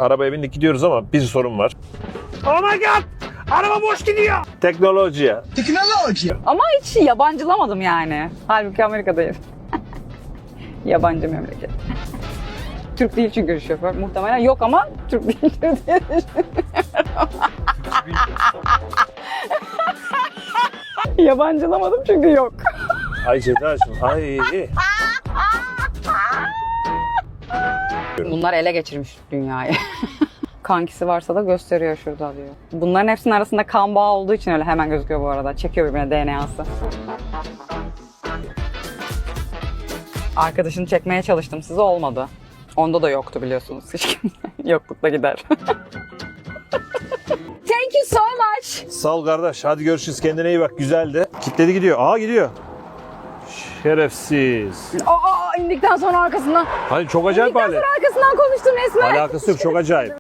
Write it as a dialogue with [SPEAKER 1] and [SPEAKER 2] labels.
[SPEAKER 1] Arabaya bindik gidiyoruz ama bir sorun var. Oh my god! Araba boş gidiyor. Teknoloji.
[SPEAKER 2] Ama hiç yabancılamadım yani. Halbuki Amerika'dayız. Yabancı memleket. Türk değil çünkü şoför. Muhtemelen yok ama Türk değil diye düşünüyorum. Yabancılamadım çünkü yok.
[SPEAKER 1] Ay Cedacığım. Ay.
[SPEAKER 2] Bunlar ele geçirmiş dünyayı. Kankisi varsa da gösteriyor şurada diyor. Bunların hepsinin arasında kan bağı olduğu için öyle hemen gözüküyor bu arada. Çekiyor birbirine DNA'sı. Arkadaşını çekmeye çalıştım size, olmadı. Onda da yoktu biliyorsunuz. Hiç yoklukla gider. Thank you so much.
[SPEAKER 1] Sağ ol kardeş. Hadi görüşürüz. Kendine iyi bak. Güzeldi. Kitledi gidiyor. Aa gidiyor. Şerefsiz.
[SPEAKER 2] Aa, indikten sonra arkasından.
[SPEAKER 1] Hani çok acayip
[SPEAKER 2] İndikten
[SPEAKER 1] hali.
[SPEAKER 2] sonra arkasından konuştum resmen.
[SPEAKER 1] Alakası yok. Çok acayip.